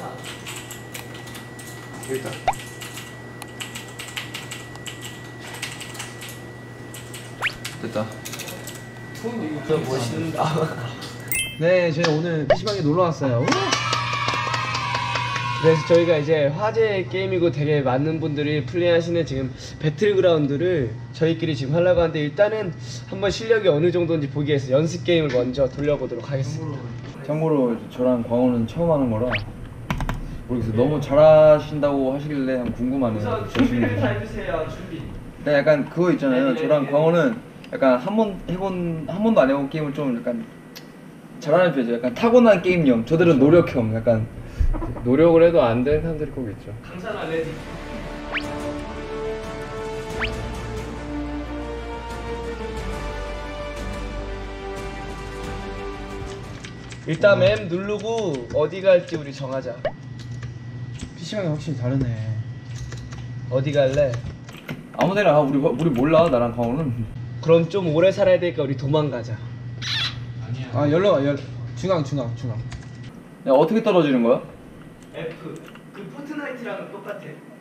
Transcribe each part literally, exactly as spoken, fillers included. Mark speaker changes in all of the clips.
Speaker 1: 일단 됐다.
Speaker 2: 저 멋있는다.
Speaker 3: 네, 저희 오늘 피시방에 놀러 왔어요. 그래서 저희가 이제 화제 게임이고 되게 많은 분들이 플레이하시는 지금 배틀그라운드를 저희끼리 지금 하려고 하는데, 일단은 한번 실력이 어느 정도인지 보기 위해서 연습 게임을 먼저 돌려보도록 하겠습니다.
Speaker 1: 참고로 저랑 광호는 처음 하는 거라 모르겠어요. 너무 잘하신다고 하시길래 한번 궁금하네요.
Speaker 2: 우선 준비를 다 해주세요. 준비.
Speaker 1: 네, 약간 그거 있잖아요.
Speaker 2: 네, 네,
Speaker 1: 저랑
Speaker 2: 네.
Speaker 1: 광호는 약간 한 번 해본 한 번도 안 해본 게임을 좀 약간 잘하는 편이죠. 약간 타고난 게임형. 저들은 노력형. 약간
Speaker 4: 노력을 해도 안 되는 사람들이 꼭 있죠.
Speaker 2: 강산 레디.
Speaker 3: 일단 맵 누르고 어디 갈지 우리 정하자.
Speaker 5: 피시방이 확실히 다르네.
Speaker 3: 어디 갈래?
Speaker 1: 아무데나 가. 우리 우리 몰라. 나랑 광호는.
Speaker 3: 그럼 좀 오래 살아야 되니까 우리 도망가자.
Speaker 5: 아 열로 열 중앙 중앙 중앙.
Speaker 1: 야, 어떻게 떨어지는 거야?
Speaker 2: F. 그 포트나이트랑 똑같아.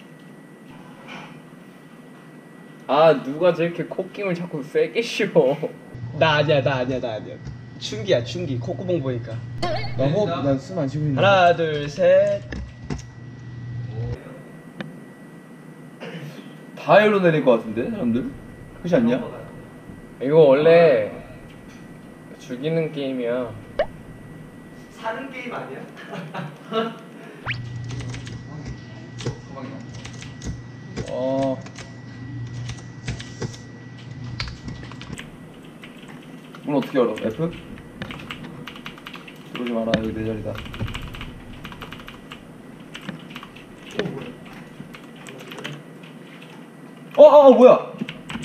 Speaker 4: 아, 누가 저렇게 콧김을 자꾸 세게 씌워.
Speaker 3: 나 아니야, 나 아니야, 나 아니야. 춘기야, 춘기. 콧구멍 보니까.
Speaker 5: 나 호흡 나 숨 안 쉬고 있는.
Speaker 3: 하나, 둘, 셋.
Speaker 1: 다 열로 내릴 것 같은데 사람들? 그렇지 않냐?
Speaker 4: 이거 원래 죽이는 게임이야.
Speaker 2: 사는 게임 아니야?
Speaker 5: 어.
Speaker 1: 문 어떻게 열어? F? 들어오지 마라. 여기 내 자리다. 어, 어, 어 뭐야?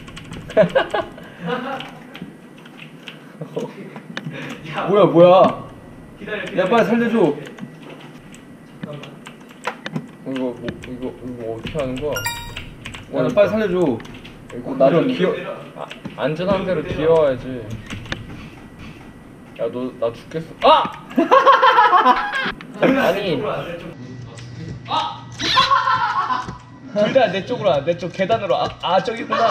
Speaker 2: 야,
Speaker 1: 뭐야, 뭐야?
Speaker 2: 기다려, 기다려.
Speaker 1: 야, 빨리 살려줘.
Speaker 2: 잠깐만.
Speaker 4: 이거 뭐, 이거 이거 어떻게 하는 거야?
Speaker 1: 야, 나 빨리 살려줘.
Speaker 4: 이거
Speaker 1: 나좀
Speaker 4: 기어. 아, 안전한 데로 기어와야지. 야, 너 나 죽겠어. 아! 아니.
Speaker 3: 둘 다 내 쪽으로 와, 내 쪽 계단으로. 아, 아 저기구나.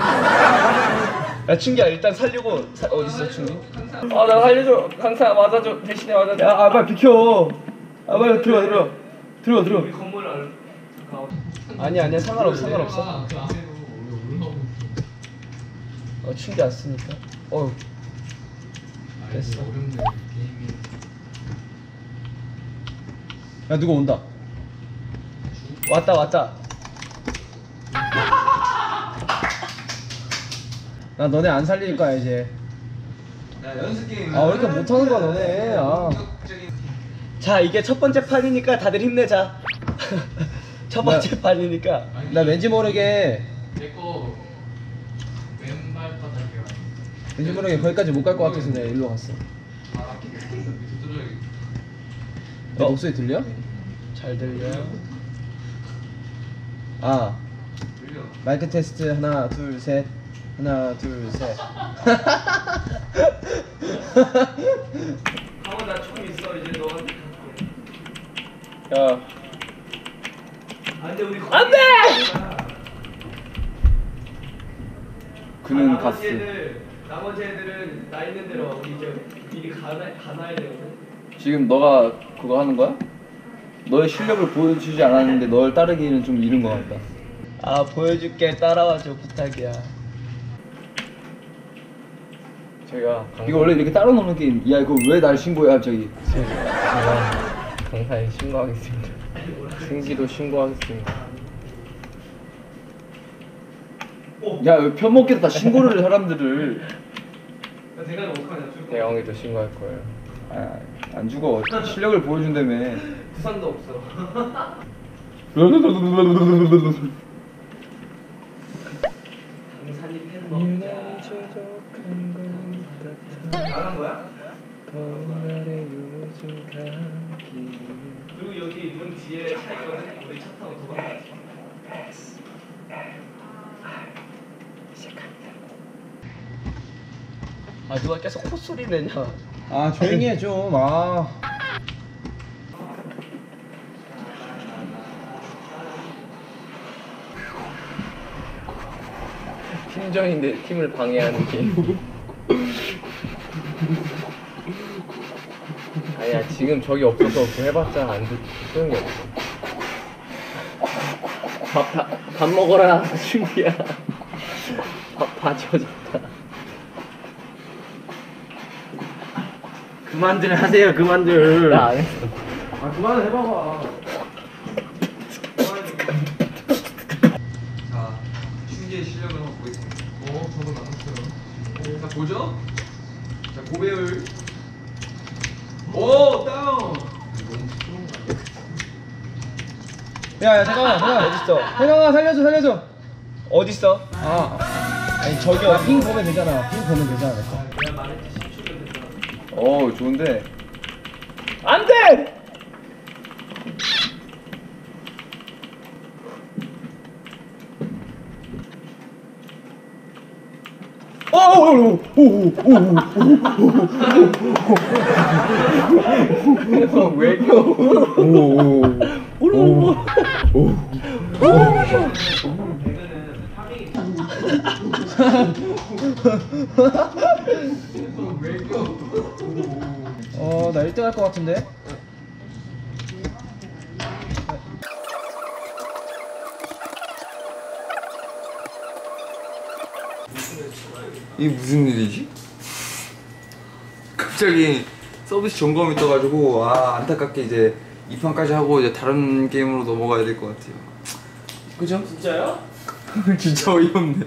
Speaker 3: 야, 춘기야, 일단 살려고. 사, 어딨어, 춘기?
Speaker 4: 아, 나 살려줘. 강사 맞아줘. 대신에 맞아줘.
Speaker 1: 야, 아, 빨리 비켜. 아, 빨리 들어가, 들어가. 들어가, 들어가.
Speaker 2: 우리 건물 안 가.
Speaker 3: 아니야, 아니야, 상관없어, 상관없어. 어, 춘기 왔으니까. 어휴. 됐어.
Speaker 5: 야 누가 온다.
Speaker 3: 왔다, 왔다.
Speaker 5: 나 너네 안 살릴 거야 이제.
Speaker 1: 야, 연습 게임.
Speaker 5: 아 왜 이렇게 못하는 거야 너네. 아.
Speaker 3: 자, 이게 첫 번째 판이니까 다들 힘내자. 첫 번째 판이니까.
Speaker 5: 나 왠지 모르게
Speaker 6: 내거 왼발 바닥이야.
Speaker 5: 왠지 모르게 거기까지 못 갈 것 같아서 내가 일로 갔어.
Speaker 6: 아, 두드려야겠다.
Speaker 5: 내 목소리 들려?
Speaker 3: 잘 들려.
Speaker 5: 아
Speaker 6: 들려.
Speaker 5: 마이크 테스트 하나 둘 셋. 하나 둘 셋.
Speaker 2: 강원 나총 있어. 이제 너한테 갈게.
Speaker 4: 야,
Speaker 2: 안돼, 우리
Speaker 4: 안 돼!
Speaker 1: 그는
Speaker 2: 나머지
Speaker 1: 갔어.
Speaker 2: 애들, 나머지 애들은 나 있는 대로 이제 미리 가나 가나야 되거든.
Speaker 1: 지금 너가 그거 하는 거야? 너의 실력을 보여주지 않았는데 널 따르기는 좀 이른 것 같다.
Speaker 3: 아, 보여줄게. 따라와줘, 부탁이야.
Speaker 4: 제가 강,
Speaker 1: 이거 원래 이렇게 따로 노는 게임. 야, 이거 왜 날 신고해 갑자기?
Speaker 4: 제가 강사에 신고하겠습니다. 승기도 신고하겠습니다.
Speaker 1: 야, 왜 편먹겠다 신고를 해, 사람들을.
Speaker 2: 야, 대가리 어떡하냐? 죽을 거.
Speaker 4: 대영이도 신고할 거예요.
Speaker 1: 아, 안 죽어. 실력을 보여준다며.
Speaker 2: 부상도 없어. 강산이 팬 먹자. 나간 거야? 그리고 여기 문 뒤에 차 있거든. 우리 차 타고 도망가자.
Speaker 3: 아, 누가 계속 콧소리 내냐.
Speaker 5: 아 조용히 해 좀. 아.
Speaker 4: 팀전인데 팀을 방해하는 게임. 아니야 지금 저기 없어서 그거 해봤자 안 돼. 소용이 없어. 밥, 다, 밥 먹어라 준비야. 밥 다 지워졌다.
Speaker 3: 그만들 하세요 그만들.
Speaker 4: 나 안 했어.
Speaker 3: 아 그만을 해봐봐.
Speaker 6: 자, 춘기의 실력을 한번 보겠습니다. 어, 저도 나눴어요. 자, 보죠. 자, 고배율. 오, 다운.
Speaker 5: 야야 잠깐만 잠깐만
Speaker 3: 어딨어?
Speaker 5: 혜경아 살려줘 살려줘.
Speaker 3: 어딨어?
Speaker 5: 아 아니 저기 어, 핑 보면 되잖아. 핑 보면 되잖아.
Speaker 2: 내가 말했지 십 초면 된다.
Speaker 1: 어 좋은데.
Speaker 4: 안 돼!
Speaker 1: 왜 껴?
Speaker 2: 되면은 파밍이
Speaker 5: 어나 일 등 할 것 같은데.
Speaker 1: 이게 무슨 일이지? 갑자기 서비스 점검이 떠가지고 아 안타깝게 이제 이 판까지 하고 이제 다른 게임으로 넘어가야 될 것 같아요. 그죠?
Speaker 2: 진짜요?
Speaker 1: 진짜 어이없네.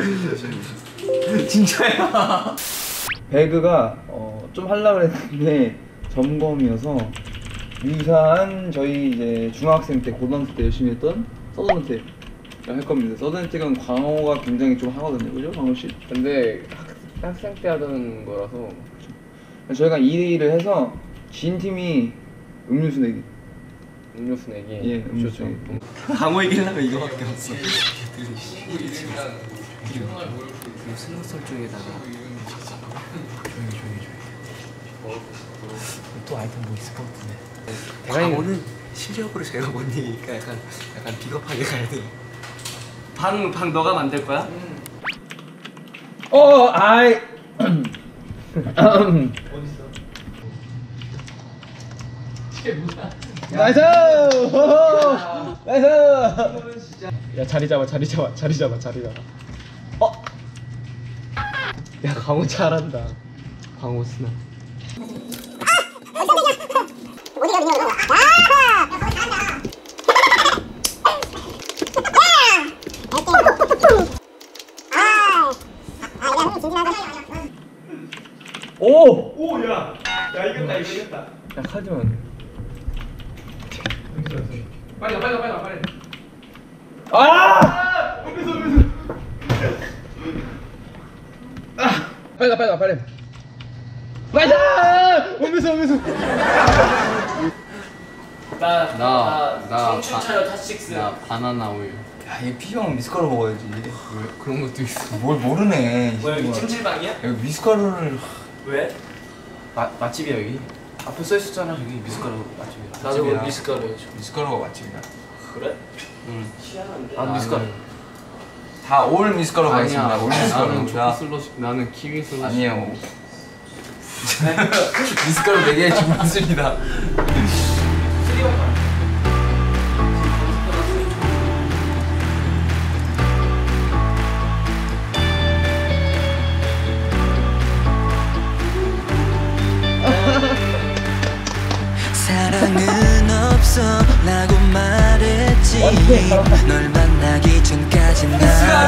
Speaker 1: 진짜야. 배그가 어, 좀 하려고 했는데 점검이어서 유사한 저희 이제 중학생 때 고등학생 때 열심히 했던 서든어택 할 겁니다. 서든어택은 광어가 굉장히 좀 하거든요, 그죠, 광호 씨?
Speaker 4: 근데 학, 학생 때 하던 거라서
Speaker 1: 저희가 이 대 이를 해서 진 팀이 음료수 내기.
Speaker 4: 음료수 내기.
Speaker 1: 예, 음료수
Speaker 4: 좋죠.
Speaker 1: 내기.
Speaker 5: 강호 이기려면 이거밖에 없어.
Speaker 3: 슬롯 설정에다가 조용히 조용히 조용히. 또 아이템 뭐 있을 것 같은데.
Speaker 7: 강호는 실력으로 제가 못 이기니까 약간 약간 비겁하게 가야 돼.
Speaker 3: 방, 방 너가 만들 거야?
Speaker 1: 어, 아이.
Speaker 5: 나이스! 호호! 나이스!
Speaker 3: 야 자리 잡아 자리 잡아 자리 잡아 자리 잡아. 어? 야 강호 잘한다. 강호 스나.
Speaker 1: 오!
Speaker 2: 오, 야, 야 이겼다, 이겼다.
Speaker 1: 야, 카드만.
Speaker 6: 빨리 가, 빨리 가, 빨리 가, 빨리.
Speaker 1: 아!
Speaker 2: 음료수, 음료수.
Speaker 5: 빨리 가 빨리 가 빨리. 나이스! 오면서 오면서.
Speaker 2: 나,
Speaker 7: 나- 나
Speaker 2: 청춘
Speaker 7: 바-
Speaker 2: 차려 타식스.
Speaker 7: 나 바나나 우유.
Speaker 1: 야, 얘 피형 미숫가루 먹어야지.
Speaker 7: 왜 그런 것도 있어?
Speaker 1: 뭘 모르네.
Speaker 2: 뭐야, 여기 찜질방이야?
Speaker 1: 여기 미숫가루를.
Speaker 2: 왜?
Speaker 7: 마 맛집이야 여기. 앞에 써 있었잖아 여기 미숫가루 맛집이야.
Speaker 2: 나도 뭐 미숫가루 해줘.
Speaker 1: 미숫가루가 맛집이야.
Speaker 2: 그래?
Speaker 7: 응.
Speaker 2: 희한한데.
Speaker 7: 아 미숫가루.
Speaker 1: 다 올 미숫가루
Speaker 7: 아니야.
Speaker 1: 가겠습니다. 올 미숫가루.
Speaker 7: 나는
Speaker 1: 자,
Speaker 7: 초코 슬러시. 나는 키위 슬러시.
Speaker 1: 아니에요. 미숫가루 네 개 주고 있습니다.
Speaker 8: 사랑은 없어 라고 말했지. 널 만나기 전까지 난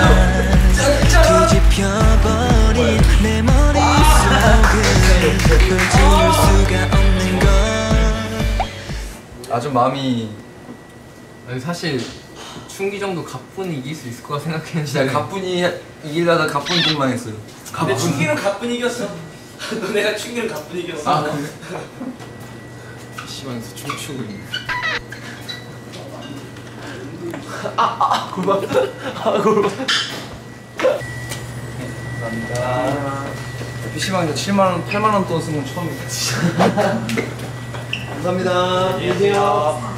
Speaker 8: 뒤집혀버린 내 머릿속을 널 지울 수가 없는 걸.
Speaker 1: 아주 마음이.
Speaker 7: 아니 사실 충기 정도 가뿐히 이길 수 있을 거라 생각했는데.
Speaker 1: 진짜 가뿐히 이기려다 가뿐 팀만 했어요.
Speaker 2: 근데 충기는 가뿐 이겼어. 너네가 충기는 가뿐 이겼어.
Speaker 7: 아 그래? 피시방에서 춤추고 있네.
Speaker 1: 감사합니다. 피시방에서 칠만 원, 팔만 원 돈 쓴 건 처음이다. 감사합니다.
Speaker 2: 안녕히 계세요.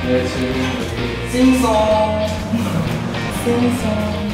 Speaker 4: 네 지금
Speaker 1: 싱송 싱송